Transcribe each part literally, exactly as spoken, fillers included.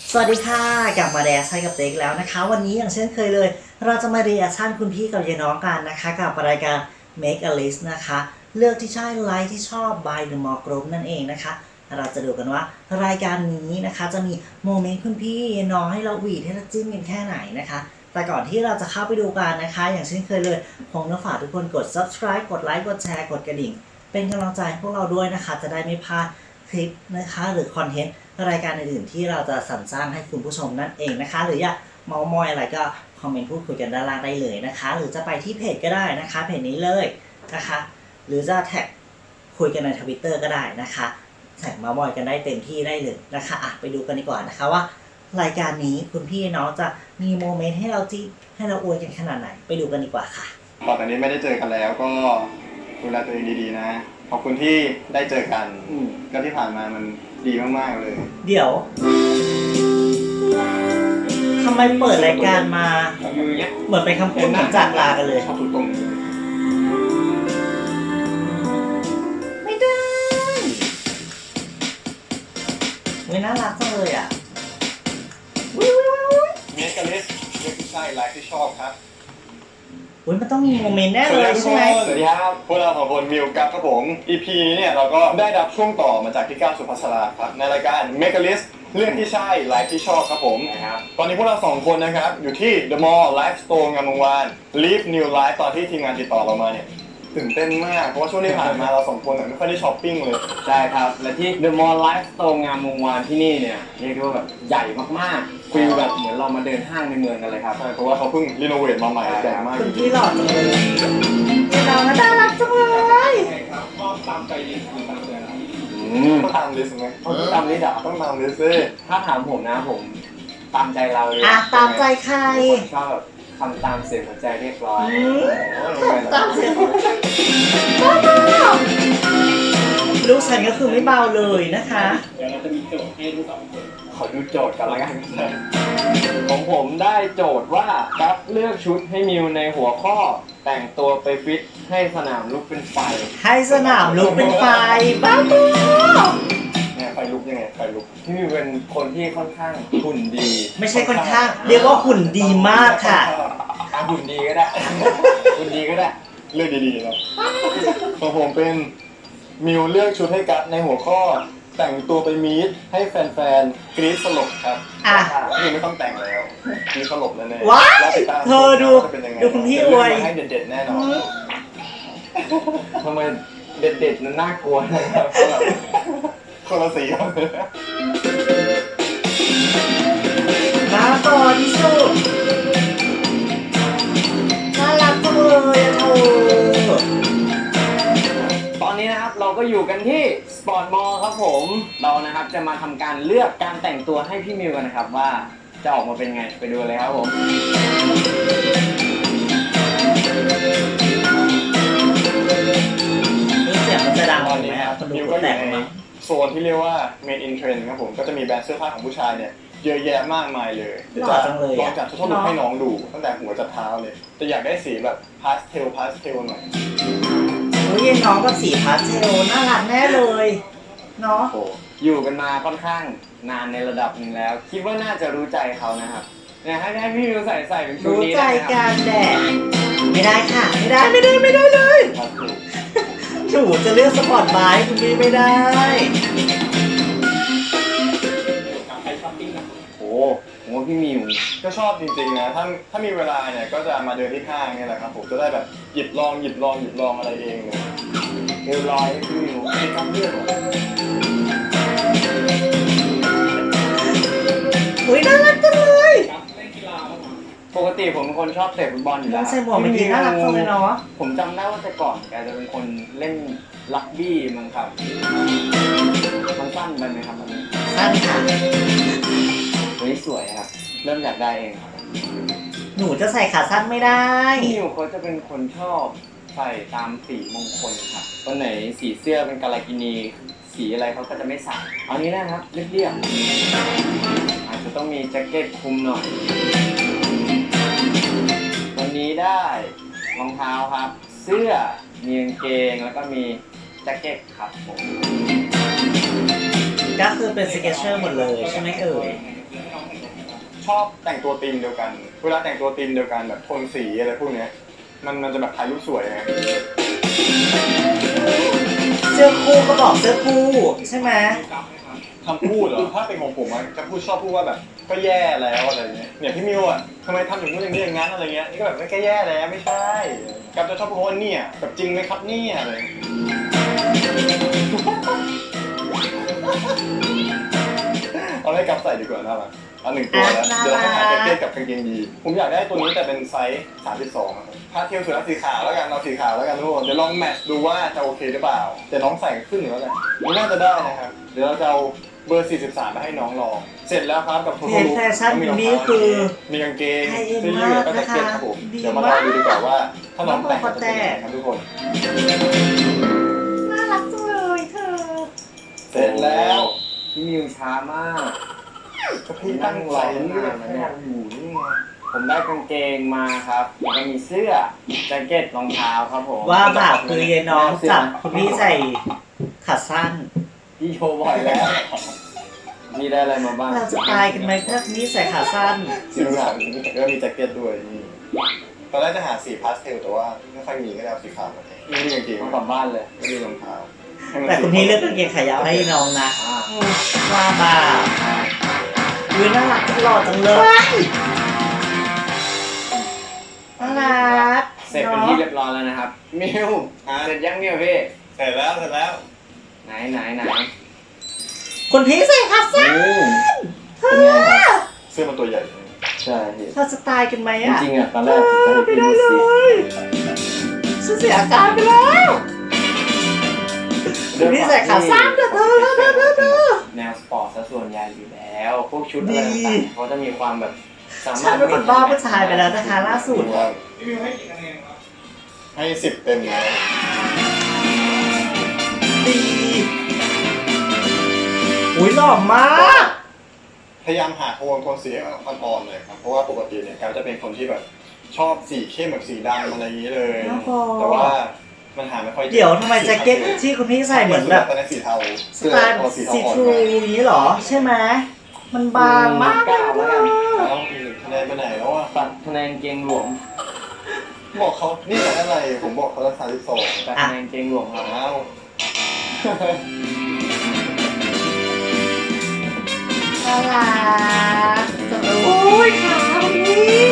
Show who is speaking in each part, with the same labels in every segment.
Speaker 1: สวัสดีค่ะกลับมาเรียชั่นกับเต็กแล้วนะคะวันนี้อย่างเช่นเคยเลยเราจะมาเรียชั่นคุณพี่กับยายน้องกันนะคะกับรายการ Make a List นะคะเลือกที่ใช่ไลค์ที่ชอบ by The More Group นั่นเองนะคะเราจะดูกันว่ารายการนี้นะคะจะมีโมเมนต์คุณพี่ยายน้องให้เราหวีดให้เราจิ้มกันแค่ไหนนะคะแต่ก่อนที่เราจะเข้าไปดูกันนะคะอย่างเช่นเคยเลยผมต้องฝากทุกคนกด subscribe กดไลค์กดแชร์กดกระดิ่งเป็นกำลังใจให้พวกเราด้วยนะคะจะได้ไม่พลาดคลิปนะคะหรือคอนเทนต์รายการอื่นๆที่เราจะสรรสร้างให้คุณผู้ชมนั่นเองนะคะหรืออยากเมาท์มอยอะไรก็คอมเมนต์พูดคุยกันด้านล่างได้เลยนะคะหรือจะไปที่เพจก็ได้นะคะเพจนี้เลยนะคะหรือจะแท็กคุยกันในทวิตเตอร์ก็ได้นะคะแท็กเมาท์มอยกันได้เต็มที่ได้เลยนะคะอ่ะไปดูกันดีกว่านะคะว่ารายการนี้คุณพี่น้องจะมีโมเมนต์ให้เราที่ให้เราอวยกันขนาดไหนไปดูกันดีกว่าค่ะ
Speaker 2: ต่อจากนี้ไม่ได้เจอกันแล้วก็ดูแลตัวเองดีๆนะขอบคุณที่ได้เจอกันก็ที่ผ่านมามันดีมากๆเลย
Speaker 1: เดี๋ยวทำไมเปิดรายการมาเหมือนเป็นคำพูดเหมือนจากลากันเลย
Speaker 2: ชอบทุกตรง
Speaker 1: ไม่ได้เฮ้ยน่ารักจังเลยอ่ะวิววิววิว
Speaker 2: เมกะลิสเลือกที่ใช่ไลฟ์ที่ชอบครับ
Speaker 1: เฮ้ยมันต้องมีโมเมนต์แน่เลยใช่ไหม
Speaker 2: สวัสดีครับพวกเราสองคนมิวกับครับผม อี พี นี้เนี่ยเราก็ได้รับช่วงต่อมาจากพี่ก้าวสุภัสราครับในรายการเมกะลิสเรื่องที่ใช่ไลฟ์ที่ชอบครับผมนะครับตอนนี้พวกเราสองคนนะครับอยู่ที่ The Mall Life Store งามวงวาน Live New Life ตอนที่ทีมงานติดต่อเรามาเนี่ยตื่นเต้นมากเพราะว่าช่วงที่ผ่านมาเราสองคนไม่ค่อยได้ช้อปปิ้งเลย
Speaker 3: ใช่ครับและที่ The Mall Life Store งามวงวานที่นี่เนี่ยเรียกได้ว่าแบบใหญ่มากๆฟีลแบบเหมือนเรามาเดินห้างในเมืองกันเลยครับ
Speaker 2: ใช่เพราะว่าเขาเพิ่งรีโนเวทมาใหม่ใหญ่มาก
Speaker 1: คุณพี่หล่อจังเลยเราน่ารักจังเลย
Speaker 2: ก็ตามใจดีตามใจต้องตามลิสต์ไหม
Speaker 3: ตามลิสต์เหรอ
Speaker 2: ต้องตามลิสต์สิ
Speaker 3: ถ้าถามผมนะผมตามใจเราเลย
Speaker 1: อ่ะตามใจใคร
Speaker 3: ชอบแบบทำตามเสียงหัวใจเรียกร้อง
Speaker 1: ตามเสียงบ้าลูกฉันก็คือไม่เบาเลยนะคะ
Speaker 3: เดี๋ยวเราจะมีโจทย์ให้ทุกคนขอดูโจทย์กันละกันของผมได้โจทย์ว่ากัฟเลือกชุดให้มิวในหัวข้อแต่งตัวไปฟิตให้สนามลุกเป็นไฟ
Speaker 1: ให้สนามลุกเป็นไฟบ้าบอ
Speaker 2: เนี่ยไฟลุกยังไงไฟลุก
Speaker 3: ที่มิวเป็นคนที่ค่อนข้างหุ่นดี
Speaker 1: ไม่ใช่ค่อนข้างเรียกว่าหุ่นดีมากค่ะ
Speaker 3: หุ่นดีก็ได้หุ่นดีก็ได้
Speaker 2: เลือกดีๆนะของผมเป็นมิวเลือกชุดให้กัฟในหัวข้อแต่งตัวไปมีดให้แฟนๆกรี๊ดสลบครับ
Speaker 1: อ่ะ
Speaker 2: นี่ไม่ต้องแต่งแล้วกรี๊ดสลบแน่
Speaker 1: ๆว้ายเธอดูดูคุณพี่อวย
Speaker 2: ให้เด็ดๆแน่นอน
Speaker 3: ทำไมเด็ดๆนั้นน่ากลัวนะครับ
Speaker 2: คนละสี
Speaker 1: น่าต่อที่สุดน่ารักจังเลยอะเธอ
Speaker 3: ตอนนี้นะครับเราก็อยู่กันที่สปอร์ตมอลล์ครับผมเรานะครับจะมาทำการเลือกการแต่งตัวให้พี่มิวกันนะครับว่าจะออกมาเป็นไงไปดูเลยครับผม
Speaker 1: นี่เสียงมันจะดังไหมครับคนดูก็แต่งมา
Speaker 2: โซนที่เรียกว่า Made in Trend ครับผมก็จะมีแบรนด์เสื้อผ้าของผู้ชายเนี่ยเยอะแยะมากมายเลย
Speaker 1: เดี๋ยวจะ
Speaker 2: ลองจัดทุกลุคให้น้องดูตั้งแต่หัวจนเท้าเลยแต่อยากได้สีแบบพาสเทลพาสเทลหน่อย
Speaker 1: โอ้ยน้องกับสีพาสเทลน่ารักแน่เลยเนาะ
Speaker 3: อยู่กันมาค่อนข้างนานในระดับหนึ่งแล้วคิดว่าน่าจะรู้ใจเขานะครับเนี่ยให้ให้พี่มิวใส่ใส่เป็นชุดนี้
Speaker 1: รู้ใจการแดดไม่ได้ค่ะไม่ได้ไม่ได้ไม่ได้เลยหนูจะเลือกสปอร์ตไบค์คุณพี่ไม่ได้
Speaker 3: โอ้โหพี่มิว
Speaker 2: ก็ชอบจริงๆนะถ้าถ้ามีเวลาเนี่ยก็จะมาเดินที่ห้างนี่แหละครับผมจะได้แบบหยิบลองหยิบลองหยิบลองอะไรเองเลย
Speaker 3: เรียบร้อยพี่มิวไม่ต้องเลือก
Speaker 1: อุ้ยน่ารักจังเลย
Speaker 3: ปกติผมเป็นคนชอบเตะฟุตบอลอยู่แล้ว
Speaker 1: ใส่หมวกเมื่อกี้น่ารักจังเลยเนาะ
Speaker 3: ผมจำได้ว่าแต่ก่อนแกจะเป็นคนเล่นรักบี้มั้งครับมันสั้นไปไหมครับมัน
Speaker 1: สั้นค่ะ
Speaker 3: เฮ้ยสวยครับเริ่มอยากได้เองครับ
Speaker 1: หนูจะใส่ขาสั้นไม่ได้
Speaker 3: พี่มิวเขาจะเป็นคนชอบใส่ตามสีมงคลครับวันไหนสีเสื้อเป็นกาลากินีสีอะไรเขาก็จะไม่ใส่เอานี้นะครับเรียบๆอาจจะต้องมีแจ็คเก็ตคลุมหน่อยวันนี้ได้รองเท้าครับเสื้อมีกางเกงแล้วก็มีแจ็คเก็ตครับผม
Speaker 1: ก็คือเป็นสเก็ตเชอร์หมดเลยใช่ไหมเอ่ย
Speaker 2: ชอบแต่งตัวธีมเดียวกัน เวลาแต่งตัวธีมเดียวกันแบบโทนสีอะไรพวกเนี้ยมันมันจะแบบถ่ายรูปสวยไง
Speaker 1: เสื้อคู่ก็บอกเสื้อคู่ใช่ไหม
Speaker 2: คำพูดเหรอ ถ้าเป็นของผมอะจะพูดชอบพูดว่าแบบก็แย่แล้วอะไรเงี้ยเนี่ยพี่มิวอะทำไมทำอย่างนู้นอย่างนี้อย่างนั้นอะไรเงี้ยนี่ก็แบบไม่แค่แย่แล้วไม่ใช่กับจะชอบพูดว่าเนี่ยแบบจริงไหมครับเนี่ยอะไรเอาให้กับใส่ดีกว่าน่ารักเอาหนึ่งตัวแล้วเดี๋ยวเราให้หาแจ็คเก็ตกับกางเกงยีนผมอยากได้ตัวนี้แต่เป็นไซส์สามสิบสองครับถ้าเทียบสุดแล้วสีขาวแล้วกันเอาสีขาวแล้วกันทุกคนเดี๋ยวลองแมทช์ดูว่าจะโอเคหรือเปล่าแต่น้องใส่ขึ้นหรือว่าไงนี่น่าจะได้นะครับเดี๋ยวเราจะเอาเบอร์สี่สิบสามไปให้น้องลองเสร็จแล้วครับกับทุก
Speaker 1: เพจแฟชั่นนี้คือ
Speaker 2: มีกางเกง
Speaker 1: ไฮเอ็น
Speaker 2: เสื้อยืดแล้วก็แจ็คเก็ตครับผม
Speaker 1: ดี
Speaker 2: เดี๋ยวมาลองดูดีกว่าว่าถ้าน้องแต่ง
Speaker 1: น้อง
Speaker 2: จะเป็นยังไงครับทุกคน
Speaker 1: น่ารักจังเลยเธอ
Speaker 2: เสร็จแล้ว
Speaker 3: พี่มิวช้ามาก
Speaker 2: ก็พี่ตั้งใจเลือกให้เราอยู่นี่ไง
Speaker 3: ผมได้กางเกงมาครับแล้วก็มีเสื้อแจ็คเก็ตรองเท้าครับผม
Speaker 1: ว่าแบบคือยายน้องจับคุณพี่ใส่ขาสั้น
Speaker 3: พี่โชว์บ่อยแล้วพี่ได้อะไรมาบ้าง
Speaker 1: เราจะตายกันไหมถ้านี่ใส่ขาสั้น
Speaker 2: สีขาวแล้วก็มีแจ็คเก็ตด้วยนี่ตอนแรกจะหาสีพาสเทลแต่ว่าไม่ค่อยมีก็เลยเอาสีขาวมาแทนนี่มีกางเกง
Speaker 3: ต้องกลับบ้านเลย
Speaker 2: ไม่มีรองเท้า
Speaker 1: แต่คุณพี่เลือกกางเกงขายาวให้น้องนะ
Speaker 3: อ่า
Speaker 1: ว่าบ่าอุ้ยน่ารักจังหล่อจังเลยน่ารัก
Speaker 3: เสร็จเป็นที่เรียบร้อยแล้วนะครับมิวเสร็จยังเนี่ยพี่
Speaker 2: เสร็จแล้วเสร็จแล้ว
Speaker 3: ไหนไหนไหน
Speaker 1: คุณพี่ใส่ขาสั้น
Speaker 3: โอ้เป็นไงครับ
Speaker 2: เสื้อมันตัวใหญ่
Speaker 3: ใช่พี่
Speaker 1: เราจะตายกันไหม
Speaker 3: จ
Speaker 1: อ่ะ
Speaker 3: ริงๆอ่ะตอนแรกผมจะให้
Speaker 1: ไม่
Speaker 3: พี่
Speaker 1: ได้
Speaker 3: ดู
Speaker 1: เล
Speaker 3: สิ
Speaker 1: ยฉันเสียอาการไปแล้วคุณพี่ใส่ขาสั้นเด้อเด้อเด้อเด้อเด้อ
Speaker 3: แนวสปอร์ตซะส่วนใหญ่อยู่แล้ว พวกชุดอะไรต่างๆเขาจะมีความแบบสามารถ
Speaker 1: ฉันเป็นคนบ้าผู้ชายไปแล้วนะคะล่าสุด
Speaker 2: พี่มิวให้กี่คะแนนครับให้สิบเต็มเลย
Speaker 1: ดีอุ้ยหล่อมาก
Speaker 2: พยายามหาโทนโทนสีอ่อนๆเลยครับเพราะว่าปกติเนี่ยแกจะเป็นคนที่แบบชอบสีเข้มแบบสีดำอะไรอย่างนี้เลย แต่ว่ามันหาไม่ค่อยจอ
Speaker 1: เดี๋ยวทำไมแจ็คเก็ตที่คุณพี่ใส่เหมือนแบบ
Speaker 2: ตอนนี้สีเทา
Speaker 1: สไตล์สีทรูอย่างนี้เหรอใช่ไหมมันบางมากเลย
Speaker 3: แล้ว
Speaker 1: นะ
Speaker 3: กัน
Speaker 2: ต้องอีกคะแนนไปไหนแล้วอ่ะ
Speaker 3: ตัดคะแนนเกงหลวม
Speaker 2: บอกเขานี่แต่อะไรผมบอกเขาละสามสิบสอง
Speaker 3: ตัดคะแนนเกงหลวมครับ
Speaker 2: อ้าว
Speaker 1: น่ารักจังเลยโอ้ยขาคุณพี่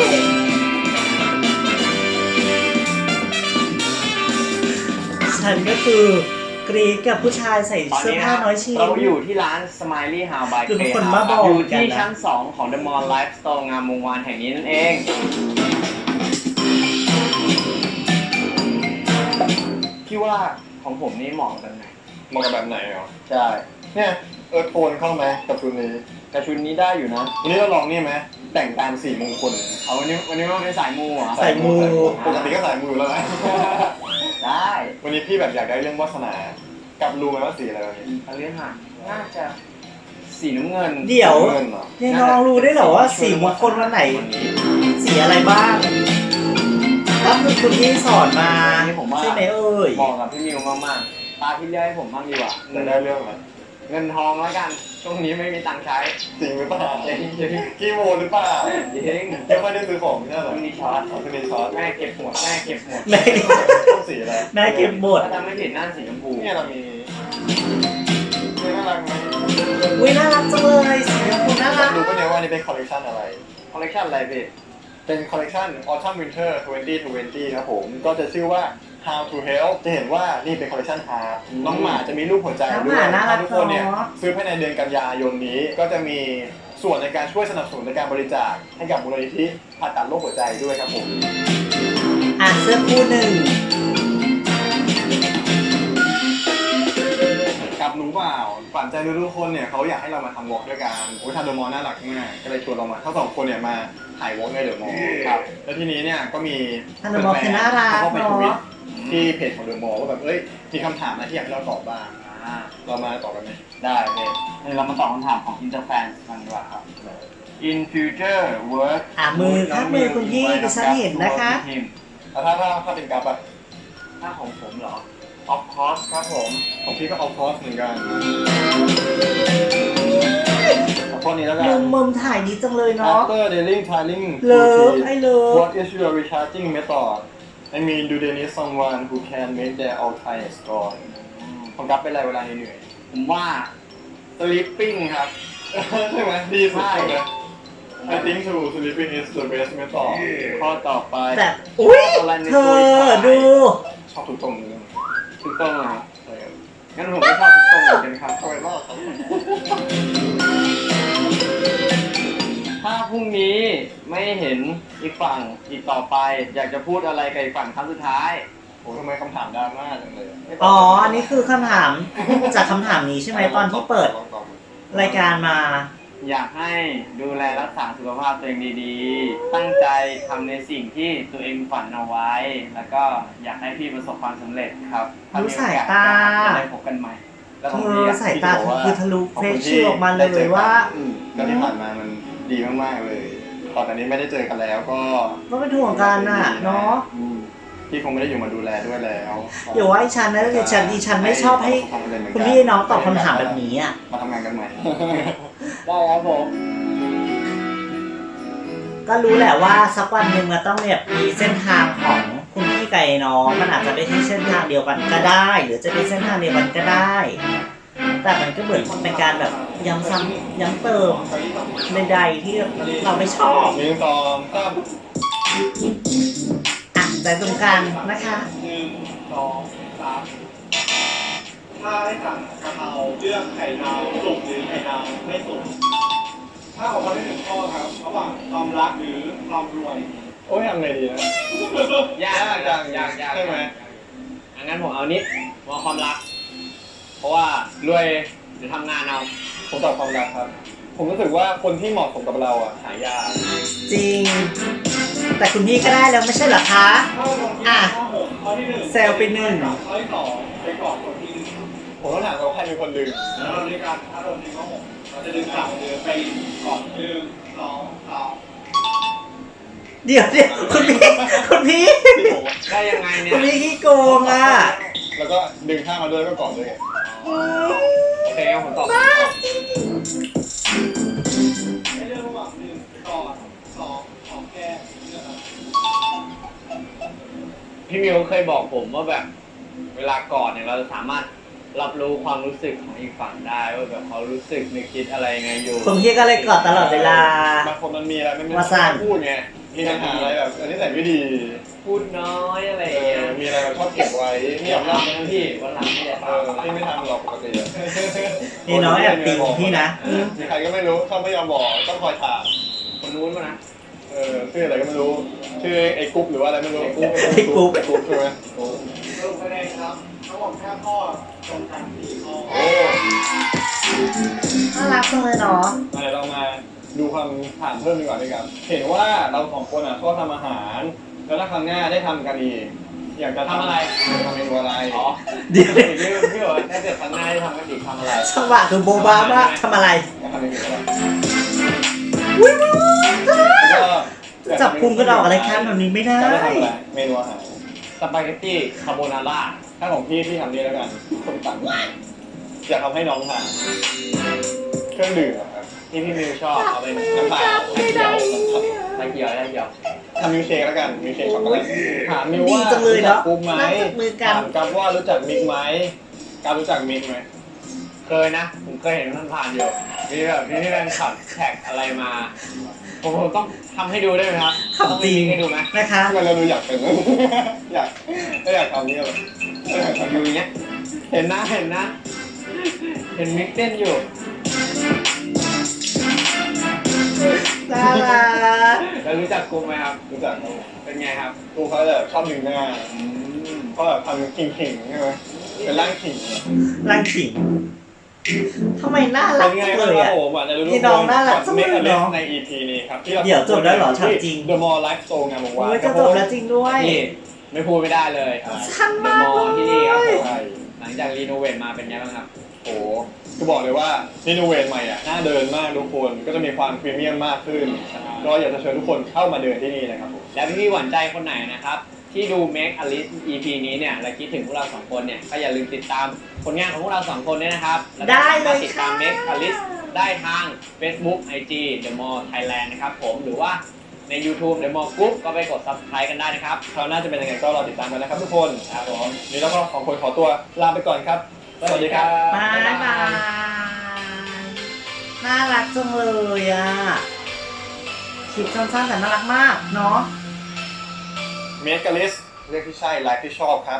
Speaker 1: ฉันก็คือกรีดกับผู้ชายใส่
Speaker 3: ตอน
Speaker 1: เสื้อ
Speaker 3: นี้
Speaker 1: ผ้าน้อยชิ้น
Speaker 3: เราอยู่ที่ร้าน Smiley House by
Speaker 1: คือเป็น
Speaker 3: Clay
Speaker 1: คน
Speaker 3: House
Speaker 1: บ้าบอ
Speaker 3: อยู่ที่
Speaker 1: กันนะ
Speaker 3: ชั้น สอง ของ The Mall Life Store งามวงวานแห่งนี้นั่นเอง พี่ว่าของผมนี่เหมาะกับแบบไหน
Speaker 2: มองกันแบบไหนเหรอ
Speaker 3: ใช่
Speaker 2: เนี่ยเออโทนเข้าไหมกับชุดนี้
Speaker 3: กระชุดนี้ได้อยู่นะ
Speaker 2: วันนี้เราลองนี่ไหมแต่งตามสีมงคล
Speaker 3: เอาวันนี้วันนี้ว่าเป็นสายมูเหรอ
Speaker 1: ใส่มู
Speaker 2: ปกติก็ใส่มูอยู่แล้วนะ
Speaker 3: ได้
Speaker 2: วันนี้พี่แบบอยากได้เรื่องวาสนา กับรู้ไหมว่าสีอะไรวันนี้
Speaker 3: เอาเรื่องหาน่าจะสีน้ำเงิน
Speaker 1: เดี๋ยว
Speaker 2: เงินเหรอ
Speaker 1: ยังน้องรู้ได้เหรอว่าสีมงคลวันไหน
Speaker 3: วันนี้
Speaker 1: สีอะไรบ้างก็คือคุณพี่สอนมา
Speaker 3: นี่ผมว่า
Speaker 1: ใช่ไหมเอ่ย
Speaker 3: เหมาะกับพี่มิวมากๆตาพี่เลี้ยให้ผมบ้างดีกว่า
Speaker 2: จะได้เรื่องอะไร
Speaker 3: เงินทองแล้วกัน ช่วงนี้ไม่มีตังค์ใช้
Speaker 2: จริงหรือเปล่า
Speaker 3: จริงจริง
Speaker 2: กี่โมหรือเปล่า
Speaker 3: จริง
Speaker 2: ไม่ค่อยได้ซื้อของใช่ไหม
Speaker 3: มีช็อต
Speaker 2: อ๋อคือมีช็อต
Speaker 3: แม่เก็บหมดแม่เก็บหมด
Speaker 1: แม่
Speaker 2: ต้องสีอะไร
Speaker 1: แม่เก็บหมด
Speaker 3: ถ้าจำไม่ผิดน่าสีชมพู
Speaker 2: เนี่ยเรามีเนี่ยน่ารักไหม
Speaker 1: อุ้ยน่ารักจังเลยสีชมพูน่ารัก
Speaker 2: รู้ปะเนี่ยว่านี่เป็นคอลเลคชันอะไร
Speaker 3: คอลเลคชันอะไรพี่
Speaker 2: เป็นคอลเลคชัน Autumn Winter ยี่สิบยี่สิบครับผม ก็จะชื่อว่า How to Help จะเห็นว่านี่เป็นคอลเลคชัน Heart น้องหมาจะมีรูปหัวใจ
Speaker 1: น้อง
Speaker 2: ด้
Speaker 1: ห
Speaker 2: วย
Speaker 1: มาน่ารัก
Speaker 2: ทุกคนเนี่ย
Speaker 1: เนาะ
Speaker 2: ซื้อภายในเดือนกันยายนนี้ ก็จะมีส่วนในการช่วยสนับสนุนในการบริจาคให้กับมูลนิธิผ่าตัดโรคหัวใจด้วยครับผม
Speaker 1: อ่ะเสื้อคู่หนึ่ง
Speaker 2: กับรู้เปล่าฝันใจทุกๆคนเนี่ยเขาอยากให้เรามาทำวอล์กด้วยกันโอ้ยทำเดอะมอลล์น่ารักมากก็เลยชวนเรามาทั้งสองคนเนี่ยมาถ่ายวอล์กในเดอะมอลล์ครับแล้วทีนี้เนี่ยก็มี
Speaker 1: ท่านบอกคือน่ารัก
Speaker 2: เขาไปทวิต
Speaker 1: เนาะ
Speaker 2: ที่เพจของเดอะมอลล์ว่าแบบเอ้ยมีคำถามอะไรที่อยากให้เราตอบบ้าง
Speaker 3: อ่า
Speaker 2: เรามาตอบกันไหม
Speaker 3: ได้พี่เดี๋ยวเรามาตอบคำถามของ Interfans กันดีกว่าครับ In future work
Speaker 1: อ่ะมือข้างมือคุณพี่ดิฉันเห็นนะคะ
Speaker 2: แล้วถ้าถ้าถ้าเป็นกราฟอะ
Speaker 3: ถ้าของผมเหรอ Of course ครับผม
Speaker 2: ของพี่ก็เอาคอสเหมือนกัน
Speaker 3: ข
Speaker 2: ข้อนี้แล้วกัน
Speaker 1: มุมมุมถ่ายดีจังเลยเนาะ
Speaker 2: After daily tiling
Speaker 1: เลิฟ
Speaker 2: routine
Speaker 1: ไอ้เลิฟ
Speaker 2: what is your recharging method I mean do they need someone who can make their all time score ผมรับเป็นอะไรเวลาเหนื่อย
Speaker 3: ผมว่า sleeping ครับ
Speaker 2: ใช่ไหมดีสุด
Speaker 3: ใช่
Speaker 2: เลย I think so sleeping is the best method
Speaker 3: ข้อต่อไป
Speaker 1: แบบอุ้ยเธอดู
Speaker 2: ชอบทุกตรงเลย
Speaker 3: ถูกต้องเหรอครับ
Speaker 2: ใช่ครับ
Speaker 3: งั้นผมไม่ชอบทุกตรงเหมือนกันครับ
Speaker 2: ทำไมรอดครับ
Speaker 3: ถ้าพรุ่งนี้ไม่เห็นอีกฝั่งอีกต่อไป อยากจะพูดอะไรกับอีกฝั่งครั้งสุดท้าย
Speaker 2: โอ้ทำไมคำถามดราม่าจังเลย
Speaker 1: อ๋อ อันนี้คือคำถามจากคำถามนี้ใช่ไหมตอนที่เปิดรายการมา
Speaker 3: อยากให้ดูแลรักษาสุขภาพตัวเองดีๆ ตั้งใจทำในสิ่งที่ตัวเองฝันเอาไว้ แล้วก็อยากให้พี่ประสบความสำเร็จครับถ้มีโอกส
Speaker 1: ดูสายตา
Speaker 3: จะได้พบกันใหม่ แล้ว
Speaker 1: เธ
Speaker 3: ผม
Speaker 1: อ
Speaker 3: เรียก
Speaker 1: สายตาเธอคือทะลุเฟซชื่อออกมาเลยว่า
Speaker 2: ก็ที่ผ่านมามันดีมากๆเลยตอนนี้ไม่ได้เจอกันแล้วก็
Speaker 1: ก็เป็นห่วงกันน่ะเนาะ
Speaker 2: อืมพี่คงไม่ได้อยู่มาดูแลด้วยแล้ว
Speaker 1: เดี๋ยวว่าไอ้ฉันนะดิฉันดิฉันไม่ชอบให้คุณพี่น้องตอบคำถามแบบนี้อ่ะ
Speaker 2: มาทำงานกันใหม่
Speaker 3: ได้ครับผม
Speaker 1: ก็รู้แหละว่าสักวันหนึ่งมันต้องแบบมีเส้นทางของคุณพี่ไก่น้องมันอาจจะไม่ใช่เส้นทางเดียวกันก็ได้ หรือจะเป็นเส้นทางเดียวกันก็ได้ แต่มันก็เหมือนเป็นการแบบย้ำซ้ำย้ำเติมใดๆที่เราไม่ชอบ
Speaker 2: หนึ่งสองสาม
Speaker 1: อ่ะใจตรงกันนะคะ
Speaker 2: หนึ่งสองสามถ้าให้สั่งกะเพราเลือกไข่ดาวสุกหรือไข่ดาวไม่สุกถ้าของเราได้หนึ่งข้อครับระหว่างความรักหรือความรวยโอ้ยทำไงดีนะ
Speaker 3: ยากจังยากยาก
Speaker 2: ใช่ไหม
Speaker 3: อังั้นผมเอานี้มองความรัก เพราะว่ารวยหรือทำงานเอา
Speaker 2: ผมตอบความรักครับ ผมรู้สึกว่าคนที่เหมาะสมกับเราอ่ะหายาก
Speaker 1: จริง แต่คุณพี่ก็ได้แล้วไม่ใช่เหรอคะ อ่ะ
Speaker 2: ข้อที่หนึ่ง
Speaker 1: เซลไปหนึ่ง
Speaker 2: ข้อที่สองไปกอดคนที่หนึ่งผมต้องถามว่าใครเป็นคนดึงแล้วเราด้วยกันถ้าเราดึงข้อหกเราจะดึงสามเดือนไปกอดหนึ่งสองสาม
Speaker 1: เดี๋ยวเดี๋ยวคุณพี่คุณพี่
Speaker 2: ที่ผม
Speaker 3: ได้ยังไงเนี่
Speaker 1: คุ
Speaker 3: ย
Speaker 1: ณพี่ขี้โกงอ่ะ
Speaker 2: แล้วก็ดึงข้างมาด้วยแล้วก็กอดด้วยไง
Speaker 1: อืม
Speaker 3: โอเคงั้นผมตอบ
Speaker 2: ให้เลือกระหว่างหนึ่งกอดสองหอมแก้มเลือกครับ
Speaker 3: พี่มิวเคยบอกผมว่าแบบ เวลากอดเนี่ยเราจะสามารถรับรู้ความรู้สึกของอีกฝั่งได้ว่าแบบเขารู้สึกนึกคิดอะไรไงอยู่
Speaker 1: คุณพี่ก็เลยกอดตลอดเวลา
Speaker 2: บางคนมันมีอะไรไม่ไม่
Speaker 1: ว่าสั้น
Speaker 2: พูดไงมีปัญหาอะไรแบบอันนี้แต่ไม่ดี
Speaker 3: พูดน้อยอะไร
Speaker 2: เอ
Speaker 3: อย่าง
Speaker 2: อ
Speaker 3: เงี้ย
Speaker 2: มีอะไรแบบชอบเก็บไว้
Speaker 3: ไม่
Speaker 2: ไม่
Speaker 3: อยาย
Speaker 2: อาก ก
Speaker 3: ทำนะพี่วันหลังไม่ได้
Speaker 2: เออ
Speaker 3: ทำ
Speaker 2: พี่ไม่ทำหรอกปกติอะ
Speaker 1: นี่น้องแอบติงพี่นะ
Speaker 2: มีใครก็ไม่รู้ชอบไม่ยอมบอกต้องคอยถาม
Speaker 3: คนนู้นมานะ
Speaker 2: เออชื่ออะไรก็ไม่รู้ชื่อไอ้กุ๊บหรือว่าอะไรไม่รู้
Speaker 1: ไอ้กุ๊บ
Speaker 2: ไอ้กุ๊บใช่ไหม
Speaker 4: สรุปคะแนนครับทั้งหมดห้าข้อตรงกันสี่ข้อ
Speaker 2: โอ้
Speaker 1: น่ารักจังเลยเนาะ
Speaker 2: มาเดี๋ยวเรามาดูคำถามเพิ่มดีกว่าด้วยกันเห็นว่าเราสองคนอ่ะชอบทำอาหาร แล้วถ้าครั้งหน้าได้ทำกันอีกอยากจะ
Speaker 3: ทำอะไร
Speaker 2: ทำเมนูอะไร
Speaker 3: อ๋อ
Speaker 1: เดี๋ยว
Speaker 3: พี่พี่พี่บอกว่าถ้าเกิดครั้งหน้าได้ทำกันอีกทำอะไร
Speaker 1: จังหวะคือโบบาว่าทำอะไร
Speaker 2: อยากทำเมนูอะไร
Speaker 1: อุ้ยมึง
Speaker 2: แล้วก็
Speaker 1: จับพุงกระดอกอะไรครับแบบนี้ไม่ได้
Speaker 2: จะได้ทำอะไรเมนูอาหาร
Speaker 3: สปาเกตตี้คาโบนาร่า
Speaker 2: ถ้าของพี่พี่ทำนี่แล้วกันส้มตำอยากทำให้น้องทานเครื่องดื่มอะครับ
Speaker 3: ที่พี่มิวชอบเอาเป็น
Speaker 2: น้ำเปล่า
Speaker 1: ไม่ได้
Speaker 3: ตะเกียวตะเกียว
Speaker 2: ทำมิลค์เชคแล้วกันมิลค์เชคช็อกโกแลตถามมิว
Speaker 1: ดี
Speaker 2: ว่า
Speaker 1: จังเลยเนาะ
Speaker 2: กุ๊บไหม
Speaker 1: นั่งจับมือกัน
Speaker 2: ถามกับว่ารู้จักมิกไหมกับรู้จักมิกไหม
Speaker 3: เคยนะ ผมเคยเห็นมันผ่านอยู่มีแบบมีที่เป็นขับแท็กอะไรมา ผมผมต้องทำให้ดูได้ไหมครับ
Speaker 1: ขำจริง
Speaker 3: ต้องมีให้ดูไหม
Speaker 1: นะคะ
Speaker 2: ทำไมเราดูอยากเป็น อยากไม่อยากทำนี่หรอ
Speaker 3: อยู่อย่างเงี้ย เห็นนะเห็นนะ เห็นมิกเต้นอยู่
Speaker 1: น่ารัก
Speaker 3: แล้วรู้จักกลุ่มไหมครับ
Speaker 2: รู้จักเขา
Speaker 3: เป็นไงครับ
Speaker 2: กูเขาแบบชอบดึงหน้าเขาแบบทำขิงๆใช่ไหมเป็นร่างขิง
Speaker 1: รังขิงทำไมน่ารั
Speaker 2: เป็
Speaker 1: ก
Speaker 2: นไง
Speaker 1: จัง
Speaker 2: บ้าง
Speaker 1: เลย
Speaker 2: ครับ
Speaker 1: อ่ะ
Speaker 2: ผมอ่ะจะรู้
Speaker 1: นี่น้องน่ารักจังเลย
Speaker 2: เมก
Speaker 1: เนาะ
Speaker 2: ใน อี พี นี้ครับที่เรา
Speaker 1: เดี๋ยวจบแล้วเหรอถามจริง
Speaker 2: The Mall Life Store งานบอกว่า
Speaker 1: โอ้ยจะจบแล้วจริงด้วย
Speaker 3: นี่ไม่พูดไม่ได้เลย
Speaker 1: ชันมาก
Speaker 3: เดอะมอลล์ที่นี่ครับผม
Speaker 2: ใช่
Speaker 3: หลังจากรีโนเวทมาเป็นไงบ้างครับ
Speaker 2: โอ้คือบอกเลยว่ารีโนเวทใหม่อ่ะน่าเดินมากทุกคนก็จะมีความพรีเมียมมากขึ้นก็อยากจะเชิญทุกคนเข้ามาเดินที่นี่นะครับผม
Speaker 3: แล้วพี่ๆหวานใจคนไหนนะครับ ที่ดู Make a List อี พี นี้เนี่ยและคิดถึงพวกเราสองคนเนี่ยก็อย่าลืมติดตามผลงานของพวกเราสองคนด้วยนะครับแล้วก็
Speaker 1: ได้
Speaker 3: สามารถ
Speaker 1: เลย
Speaker 3: ติดตาม
Speaker 1: ค่ะ
Speaker 3: Make a List ได้ทาง Facebook ไอ จี The Mall Thailand นะครับผมหรือว่าใน YouTube The Mall Group ก็ไปกด Subscribe กันได้นะครับ
Speaker 2: คราวหน้าจะเป็นยังไงก็รอติดตามกันนะครับทุกคน
Speaker 3: ครับผม
Speaker 2: วันนี้เราก็สองคนขอตัวลาไปก่อนครับ สวัสดีครับ
Speaker 1: บายบาย น่ารักจังเลยอ่ะ คลิปสั้นๆแต่น่ารักมากเนาะ
Speaker 2: เมกาลิสเลือกที่ใช่ไลฟ์ที่ชอบครับ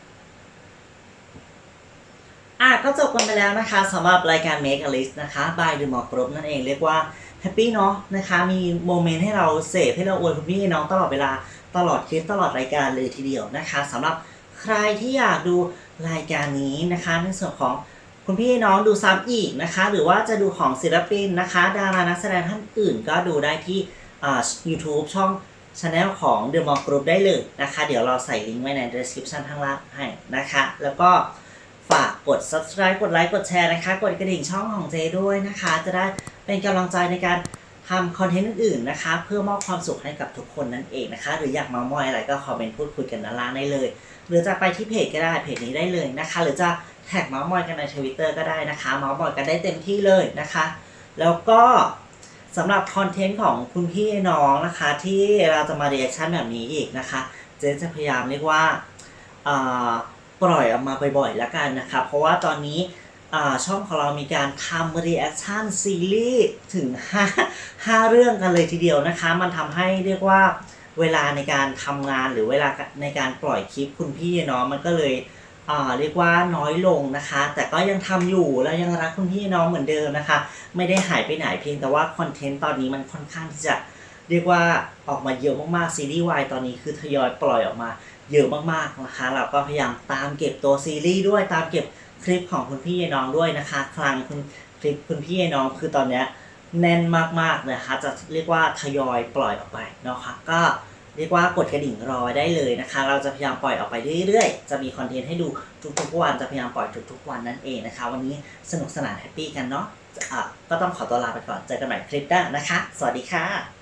Speaker 1: อ่ะก็จบกันไปแล้วนะคะสำหรับรายการ Make a List นะคะ by The Mall Group นั่นเองเรียกว่าแฮปปี้เนาะนะคะ มีโมเมนต์ให้เราเสพให้เราอวยคุณพี่น้องตลอดเวลาตลอดคลิปตลอดรายการเลยทีเดียวนะคะสำหรับใครที่อยากดูรายการนี้นะคะในส่วนของคุณพี่น้องดูซ้ำอีกนะคะ หรือว่าจะดูของศิลปินนะคะดารานักแสดงท่านอื่นก็ดูได้ที่อ่า YouTube ช่อง Channel ของ The Mall Group ได้เลยนะคะ เดี๋ยวเราใส่ลิงก์ไว้ใน description ข้างล่างให้นะคะ แล้วก็ฝากกด subscribe กดไลค์กดแชร์นะคะกดกระดิ่งช่องของเจด้วยนะคะจะได้เป็นกำลังใจในการทำคอนเทนต์อื่นๆนะคะเพื่อมอบความสุขให้กับทุกคนนั่นเองนะคะหรืออยากเมาท์มอยอะไรก็คอมเมนต์พูดคุยกันด้านล่างได้เลยหรือจะไปที่เพจก็ได้เพจนี้ได้เลยนะคะหรือจะแท็กเมาท์มอยกันใน Twitter ก็ได้นะคะเมาท์มอยกันได้เต็มที่เลยนะคะแล้วก็สำหรับคอนเทนต์ของคุณพี่น้องนะคะที่เราจะมาเรีแอคชั่นแบบนี้อีกนะคะเจจะพยายามเรียกว่าอ่าปล่อยออกมาบ่อยๆแล้วกันนะคะเพราะว่าตอนนี้ช่องของเรามีการทำรีแอคชั่นซีรีส์ถึงห้า ห้าเรื่องกันเลยทีเดียวนะคะมันทำให้เรียกว่าเวลาในการทำงานหรือเวลาในการปล่อยคลิปคุณพี่เนาะมันก็เลยอ่าเรียกว่าน้อยลงนะคะแต่ก็ยังทำอยู่แล้วยังรักคุณพี่น้องเหมือนเดิมนะคะไม่ได้หายไปไหนเพียงแต่ว่าคอนเทนต์ตอนนี้มันค่อนข้างที่จะเรียกว่าออกมาเยอะมากๆซีรีส์วายตอนนี้คือทยอยปล่อยออกมาเยอะมากๆนะคะเราก็พยายามตามเก็บตัวซีรีส์ด้วยตามเก็บคลิปของคุณพี่น้องด้วยนะคะคลังคุณคลิปคุณพี่น้องคือตอนเนี้ยแน่นมากๆนะคะจะเรียกว่าทยอยปล่อยออกไปเนาะค่ะก็เรียกว่ากดกระดิ่งรอได้เลยนะคะเราจะพยายามปล่อยออกไปเรื่อยๆจะมีคอนเทนต์ให้ดูทุกๆวันจะพยายามปล่อยทุกๆวันนั่นเองนะคะวันนี้สนุกสนานแฮปปี้กันเนาะะก็ต้องขอตัวลาไปก่อนเจอกันใหม่คลิปหน้านะคะสวัสดีค่ะ